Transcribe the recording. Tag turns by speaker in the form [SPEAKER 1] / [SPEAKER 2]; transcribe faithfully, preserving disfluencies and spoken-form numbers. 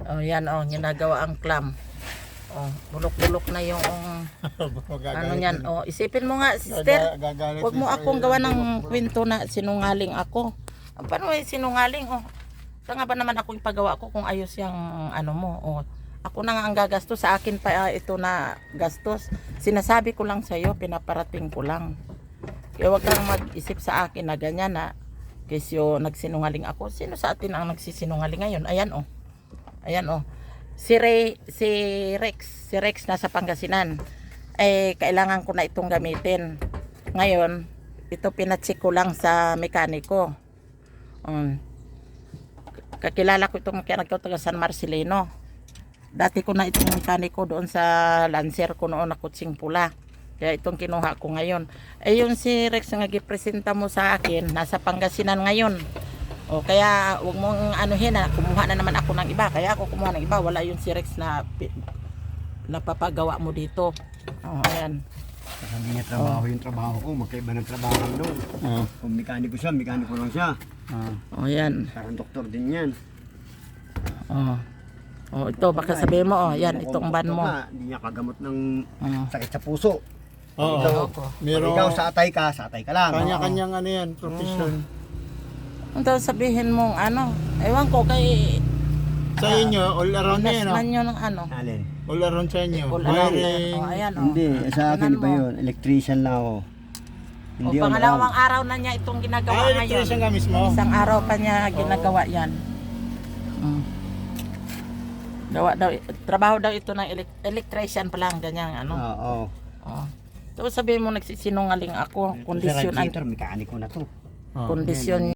[SPEAKER 1] Oh, yan oh, ginagawa ang clam. Oh, bulok-bulok na yung ano niyan. Oh, isipin mo nga, sister. Huwag mo akong gawa ng kwento na sinungaling ako. Paano eh sinungaling? Oh, saan nga ba naman ako ipagawa ko kung ayos yung ano mo? Oh, ako na nga ang gagastos. Sa akin pa uh, ito na gastos. Sinasabi ko lang sa'yo, pinaparating ko lang. Kaya huwag kang mag-isip sa akin na ganyan na kesyo nagsinungaling ako. Sino sa atin ang nagsisinungaling ngayon? Ayan oh. Ayan oh. Si Ray, si Rex, si Rex nasa Pangasinan. Eh kailangan ko na itong gamitin. Ngayon, ito pinacheck ko lang sa mekaniko. Um, kakilala ko itong mekaniko taga San Marcelino. Dati ko na itong mekaniko doon sa Lancer ko noon na kutsing pula. Kaya itong kinuha ko ngayon. Eh yung si Rex nga gipresenta mo sa akin, nasa Pangasinan ngayon. O kaya wag mong anuhin na kumuha na naman ako ng iba. Kaya ako kumuha ng iba. Wala yung si Rex na napapagawa mo dito. O ayan.
[SPEAKER 2] Hindi niya trabaho yung trabaho ko. Magkaiba ng trabaho doon.
[SPEAKER 1] O,
[SPEAKER 2] Kung mekaniko siya, mekaniko lang siya.
[SPEAKER 1] o ayan.
[SPEAKER 2] Parang doktor din yan.
[SPEAKER 1] O. O ito baka sabihin mo o yan itong ban mo.
[SPEAKER 2] Hindi niya kagamot ng
[SPEAKER 1] O.
[SPEAKER 2] sakit sa puso.
[SPEAKER 3] Oo.
[SPEAKER 2] Ikaw,
[SPEAKER 3] Meron
[SPEAKER 2] ikaw sa atay ka, sa atay ka lang.
[SPEAKER 3] kanya-kanyang ano yan, profession.
[SPEAKER 1] Ang daw sabihin mong ano, ewan ko kay
[SPEAKER 3] Sa inyo, all around na yan,
[SPEAKER 1] Nasman
[SPEAKER 3] oh.
[SPEAKER 1] nyo ng ano.
[SPEAKER 2] Alin?
[SPEAKER 3] All around sa inyo.
[SPEAKER 1] All around.
[SPEAKER 3] Wiring.
[SPEAKER 1] O ayan o.
[SPEAKER 2] Hindi, sa akin
[SPEAKER 1] Tingnan
[SPEAKER 2] ba
[SPEAKER 1] mo.
[SPEAKER 2] yun? Electrician lang ako.
[SPEAKER 1] O
[SPEAKER 2] Hindi all
[SPEAKER 1] pangalawang
[SPEAKER 2] around.
[SPEAKER 1] araw na niya itong ginagawa
[SPEAKER 3] Ah,
[SPEAKER 1] ngayon.
[SPEAKER 3] electrician ka mismo?
[SPEAKER 1] Isang araw pa niya ginagawa yan. Mm. Gawa daw, trabaho daw ito ng elec- electrician pa lang, ganyan ano.
[SPEAKER 2] Oo.
[SPEAKER 1] Oh. Tapos sabihin mo nagsisinungaling ako, kondisyon,
[SPEAKER 2] Sa radiator, mekaniko na to.
[SPEAKER 3] Oh.
[SPEAKER 1] kondisyon